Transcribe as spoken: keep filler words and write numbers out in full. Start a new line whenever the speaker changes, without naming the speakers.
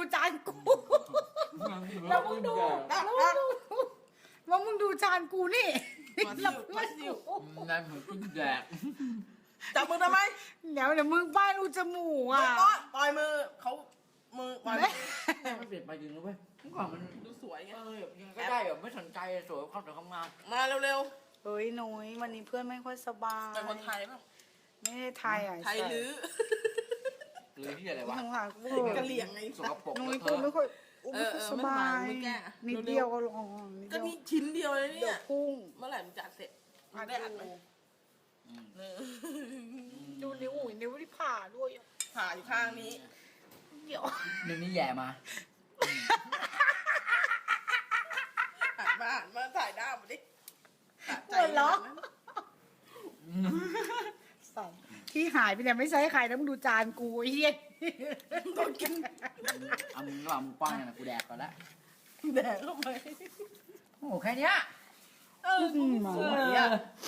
จานกูแล้วมึงดูแล้วมึงดูว่ามึงดูจานกูนี่แล้วเพื่อนกู
นายผมกินแดก
จับมือทำไม
เดี๋ยวเดี๋ยวมึงป้ายรูจมูกอ่ะ
ก็ปล่อยมือเขามือปล่อยมือ
มันเปลี่ยนไปจริงรู้ไหมเมื่อก่อนมัน
ดูสวยไง
เออยังก็ได้แบบไม่สนใจสวยความสวยความงาม
มาเร็ว
เฮ้ยนุ้ยวันนี้เพื่อนไม่ค่อยสบาย
ๆเป็นคนไทยป่ะ
ไม่ได้ไทยอ่ะ
ไทยหรือ
หรือที่อะไรวะ
ข้างหลังกู
กะเหรี่ยงไง
สกปรก
นุ้ย
เธ
กู
อ
ไม่ค่อย
เออเออ
สบาย
ไม่สบายมึงแก้อะ
นิดเดียวก็ลองนิด
ก็
เดียว
นี่ชิ้นเดียวเลย
เดี๋
เนี่ย
วย พุ่ง
เมื่อไหร่มันจะเสร็จมึงได้อัดไหมเออ
ดูนิ้วอุ้ยนิ้วที่ผ่าด้วยอะ
ผ่าอยู่ข้างนี้
เดี๋ยว
หนึ่งนี่แย่มา
หันมาหันมาถ่ายหน้ามาดิสะใจ
หัวเราะ
นะ
สั่นที่หายไปเนี่ยไม่ใช่ใครนะมึงดูจานกูไอ้เหี้ย
ต้องกิน
เอามึงระหว่างมึงกว้างเนี่ยนะกูแดกก่อนละ
แดงเข้าไป
โอ้โหแค่เนี้ย
เออกูสวยอ่ะ